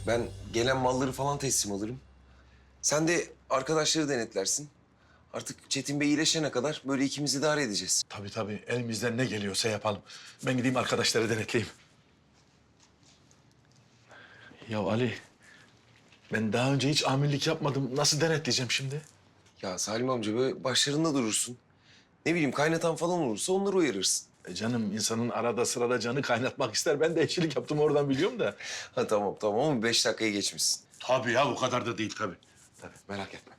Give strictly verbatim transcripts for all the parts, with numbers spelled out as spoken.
Ben gelen malları falan teslim alırım. Sen de arkadaşları denetlersin. Artık Çetin Bey iyileşene kadar böyle ikimiz idare edeceğiz. Tabii tabii. Elimizden ne geliyorsa yapalım. Ben gideyim arkadaşları denetleyeyim. Ya Ali, ben daha önce hiç amirlik yapmadım. Nasıl denetleyeceğim şimdi? Ya Salim amca böyle başlarında durursun. Ne bileyim kaynatan falan olursa onları uyarırsın. E canım, insanın arada sırada canı kaynatmak ister. Ben de eşçilik yaptım, oradan biliyorum da. Ha tamam tamam ama beş dakikayı geçmişsin. Tabii ya, o kadar da değil tabii. Tabii merak etme.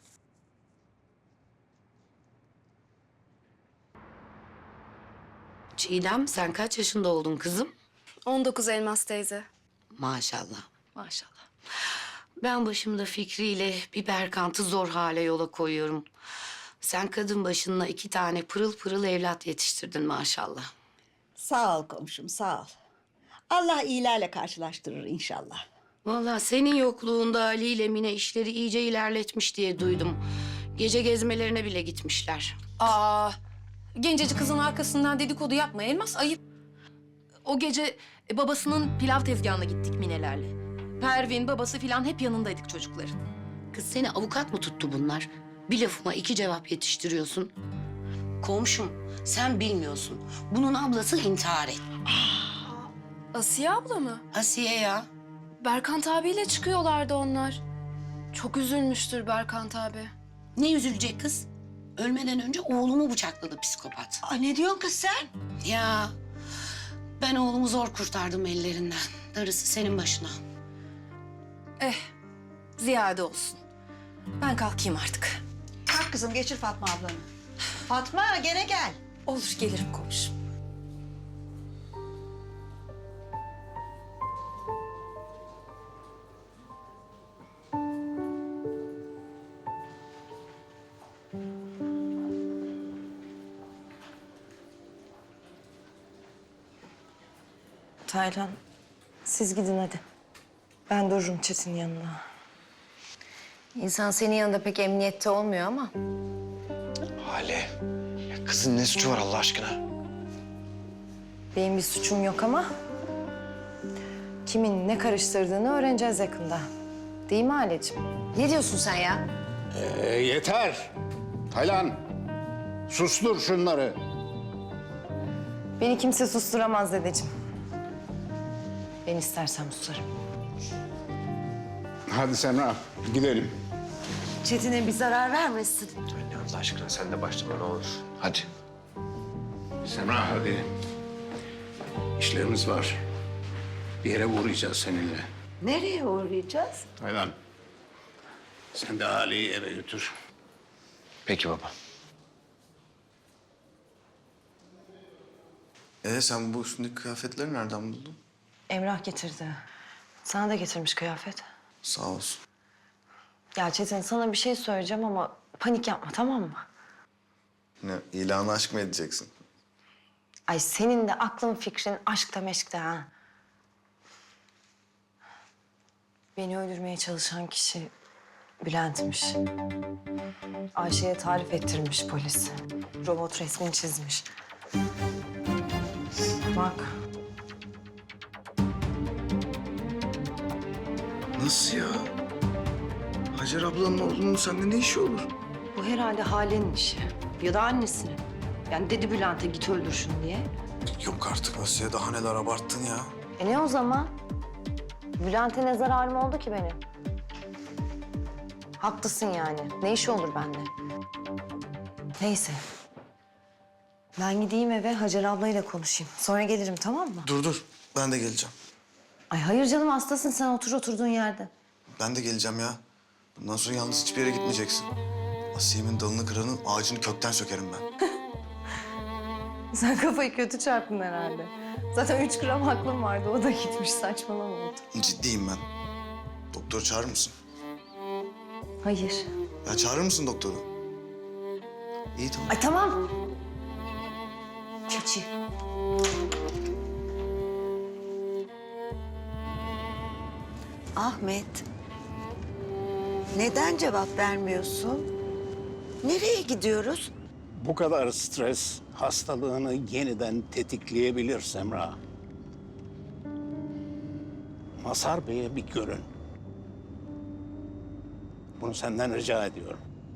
Çiğdem, sen kaç yaşında oldun kızım? on dokuz Elmas teyze. Maşallah. Maşallah. Ben başımda Fikri'yle bir Berkant'ı zor hale yola koyuyorum. Sen kadın başına iki tane pırıl pırıl evlat yetiştirdin maşallah. Sağ ol komşum, sağ ol. Allah iyilerle karşılaştırır inşallah. Vallahi senin yokluğunda Ali ile Mine işleri iyice ilerletmiş diye duydum. Gece gezmelerine bile gitmişler. Aa, gencecik kızın arkasından dedikodu yapma Elmas, ayıp. O gece e, babasının pilav tezgahına gittik Minelerle. Pervin, babası filan hep yanındaydık çocukların. Kız seni avukat mı tuttu bunlar? Bir lafıma iki cevap yetiştiriyorsun. Komşum, sen bilmiyorsun. Bunun ablası intihar etti. Asiye abla mı? Asiye ya. Berkant abiyle çıkıyorlardı onlar. Çok üzülmüştür Berkant abi. Ne üzülecek kız? Ölmeden önce oğlumu bıçakladı psikopat. Aa, ne diyorsun kız sen? Ya ben oğlumu zor kurtardım ellerinden. Darısı senin başına. Eh, ziyade olsun. Ben kalkayım artık. Kalk kızım, geçir Fatma ablanı. Fatma, gene gel. Olur, gelirim komşum. Taylan, siz gidin hadi. Ben dururum Çetin yanına. İnsan senin yanında pek emniyette olmuyor ama. Hale, ya kızın ne suçu var Allah aşkına? Benim bir suçum yok ama... kimin ne karıştırdığını öğreneceğiz yakında. Değil mi Haleciğim? Ne diyorsun sen ya? Ee, yeter. Taylan, sustur şunları. Beni kimse susturamaz dedeciğim. Ben istersem susarım. Hadi Semra, gidelim. Çetin'e bir zarar vermesin. Anne Allah aşkına sen de başlama ne olur. Hadi. Semra hadi. İşlerimiz var. Bir yere uğrayacağız seninle. Nereye uğrayacağız? Taylan, sen de Ali'yi eve götür. Peki baba. Ee sen bu üstündeki kıyafetleri nereden buldun? Emrah getirdi. Sana da getirmiş kıyafet. Sağ olsun. Ya Çetin, sana bir şey söyleyeceğim ama panik yapma, tamam mı? Ne, ilanı aşk mı edeceksin? Ay senin de aklın fikrin aşkta meşkte ha. Beni öldürmeye çalışan kişi Bülent'miş. Ayşe'ye tarif ettirmiş polis. Robot resmini çizmiş. Bak. Nasıl ya? Hacer ablanın oğlunun sende ne işi olur? Bu herhalde Hale'nin işi. Ya da annesinin. Yani dedi Bülent'e git öldür şunu diye. Yok artık Asiye, daha neler abarttın ya. E ne o zaman? Bülent'e ne zararım oldu ki benim? Haklısın yani. Ne işi olur bende? Neyse. Ben gideyim eve Hacer ablayla konuşayım. Sonra gelirim, tamam mı? Dur dur, ben de geleceğim. Ay hayır canım, hastasın sen, otur oturduğun yerde. Ben de geleceğim ya. Bundan sonra yalnız hiçbir yere gitmeyeceksin. Asiye'min dalını kıranın ağacını kökten sökerim ben. Sen kafayı kötü çarptın herhalde. Zaten üç gram aklım vardı, o da gitmiş, saçmalama oldu. Ciddiyim ben. Doktor çağırır mısın? Hayır. Ya çağırır mısın doktoru? İyi tamam. Ay tamam. Keçi. Ahmet, neden cevap vermiyorsun? Nereye gidiyoruz? Bu kadar stres hastalığını yeniden tetikleyebilir Semra. Mazhar Bey'e bir görün. Bunu senden rica ediyorum.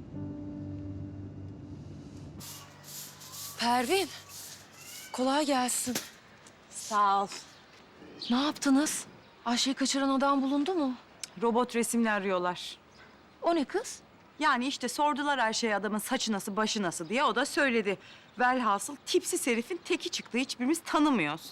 Pervin, kolay gelsin. Sağ ol. Ne yaptınız? Ayşe'yi kaçıran adam bulundu mu? Robot resimle arıyorlar. O ne kız? Yani işte sordular Ayşe'ye adamın saçı nasıl, başı nasıl diye. O da söyledi. Velhasıl tipsiz herifin teki çıktı. Hiçbirimiz tanımıyoruz.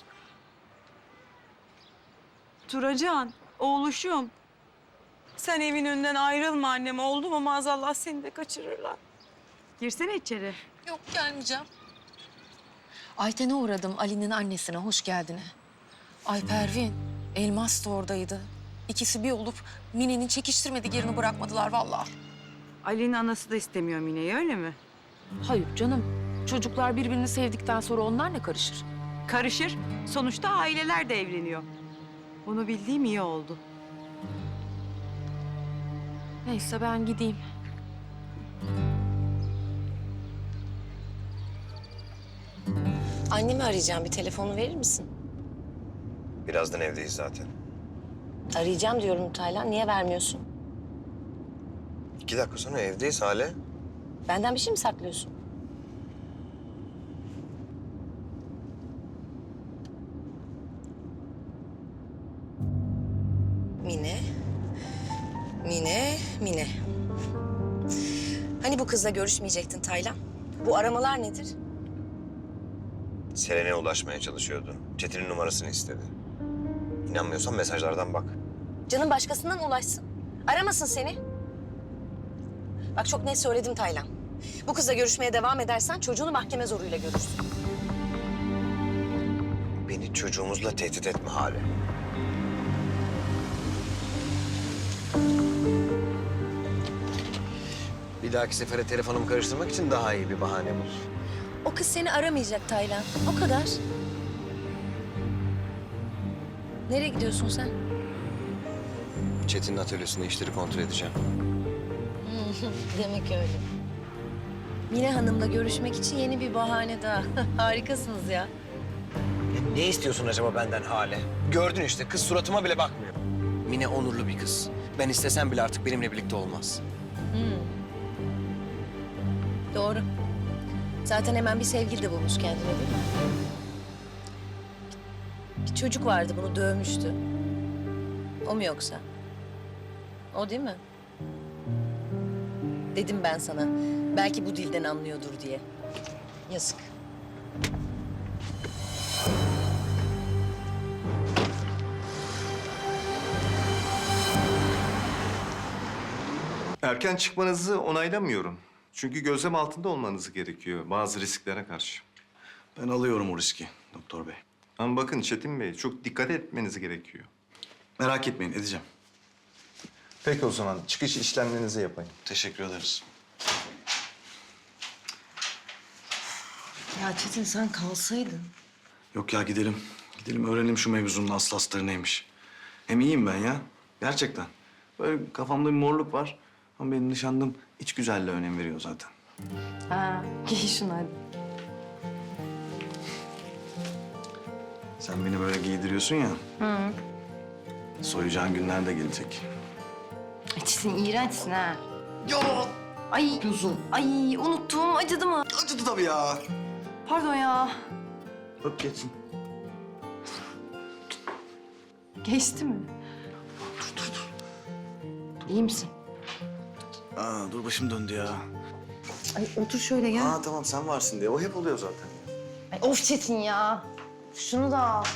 Turacan, oğluşum. Sen evin önünden ayrılma annem. Oldu mu maazallah seni de kaçırırlar. Girsene içeri. Yok, gelmeyeceğim. Ayten'e uğradım, Ali'nin annesine, hoş geldine. Ay Pervin, Elmas da oradaydı. İkisi bir olup Mine'nin çekiştirmedik yerini bırakmadılar vallahi. Ali'nin anası da istemiyor Mine'yi, öyle mi? Hayır canım, çocuklar birbirini sevdikten sonra onlar ne karışır? Karışır. Sonuçta aileler de evleniyor. Bunu bildiğim iyi oldu. Neyse ben gideyim. Annemi arayacağım. Bir telefonu verir misin? Birazdan evdeyiz zaten. Arayacağım diyorum Taylan. Niye vermiyorsun? İki dakika sonra evdeyiz Hale. Benden bir şey mi saklıyorsun? Mine. Mine, Mine. Hani bu kızla görüşmeyecektin Taylan? Bu aramalar nedir? Selen'e ulaşmaya çalışıyordu. Çetin'in numarasını istedi. İnanmıyorsan mesajlardan bak. Canın başkasından ulaşsın. Aramasın seni. Bak çok net söyledim Taylan. Bu kızla görüşmeye devam edersen çocuğunu mahkeme zoruyla görürsün. Beni çocuğumuzla tehdit etme Hale. Bir dahaki sefere telefonumu karıştırmak için daha iyi bir bahane bul. O kız seni aramayacak Taylan. O kadar. Nereye gidiyorsun sen? Çetin'in atölyesinde işleri kontrol edeceğim. Demek öyle. Mine Hanım'la görüşmek için yeni bir bahane daha. Harikasınız ya. Ya ne istiyorsun acaba benden Hale? Gördün işte kız suratıma bile bakmıyor. Mine onurlu bir kız. Ben istesem bile artık benimle birlikte olmaz. Doğru. Zaten hemen bir sevgili de bulmuş kendine değil mi? Bir çocuk vardı bunu dövmüştü. O mu yoksa? O değil mi? Dedim ben sana. Belki bu dilden anlıyordur diye. Yazık. Erken çıkmanızı onaylamıyorum. Çünkü gözlem altında olmanız gerekiyor bazı risklere karşı. Ben alıyorum o riski doktor bey. Ama bakın Çetin Bey, çok dikkat etmeniz gerekiyor. Merak etmeyin, edeceğim. Peki o zaman çıkış işlemlerinizi yapayım. Teşekkür ederiz. Ya Çetin sen kalsaydın. Yok ya gidelim. Gidelim öğrenelim şu mevzunun aslı astarı neymiş. Hem iyiyim ben ya. Gerçekten. Böyle kafamda bir morluk var. Ama benim nişanlım iç güzelliğe önem veriyor zaten. Ha, giy şunu hadi. Sen beni böyle giydiriyorsun ya. Hı. Soyacağın günler de gelecek. Çetin iğrençsin ha. Ya. Ay. Gözüm. Ay unuttum. Acıdı mı? Acıdı tabii ya. Pardon ya. Öp geçsin. Geçti mi? İyi misin? Aa, dur başım döndü ya. Ay otur şöyle gel. Aa tamam sen varsın diye. O hep oluyor zaten. Ay, of Çetin ya. Şunu da al.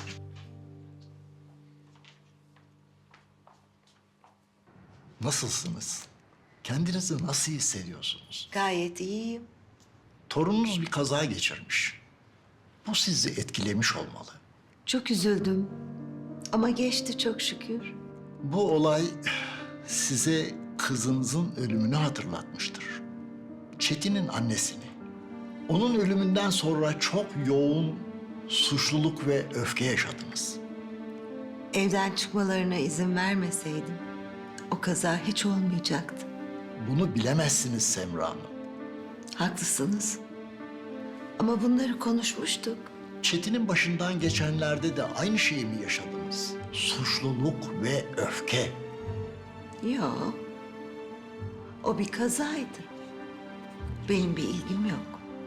Nasılsınız? Kendinizi nasıl hissediyorsunuz? Gayet iyiyim. Torununuz bir kaza geçirmiş. Bu sizi etkilemiş olmalı. Çok üzüldüm. Ama geçti çok şükür. Bu olay size kızınızın ölümünü hatırlatmıştır. Çetin'in annesini. Onun ölümünden sonra çok yoğun suçluluk ve öfke yaşadınız. Evden çıkmalarına izin vermeseydim o kaza hiç olmayacaktı. Bunu bilemezsiniz Semra Hanım. Haklısınız. Ama bunları konuşmuştuk. Çetin'in başından geçenlerde de aynı şeyi mi yaşadınız? Suçluluk ve öfke. Yok. O bir kazaydı. Benim bir ilgim yok.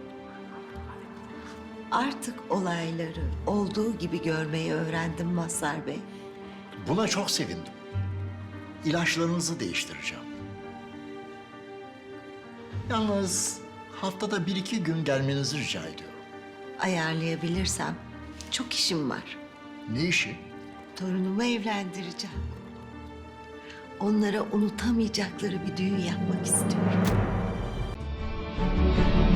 Artık olayları olduğu gibi görmeyi öğrendim Mazhar Bey. Buna çok sevindim. İlaçlarınızı değiştireceğim. Yalnız haftada bir iki gün gelmenizi rica ediyorum. Ayarlayabilirsem çok işim var. Ne işi? Torunumu evlendireceğim. Onlara unutamayacakları bir düğün yapmak istiyorum.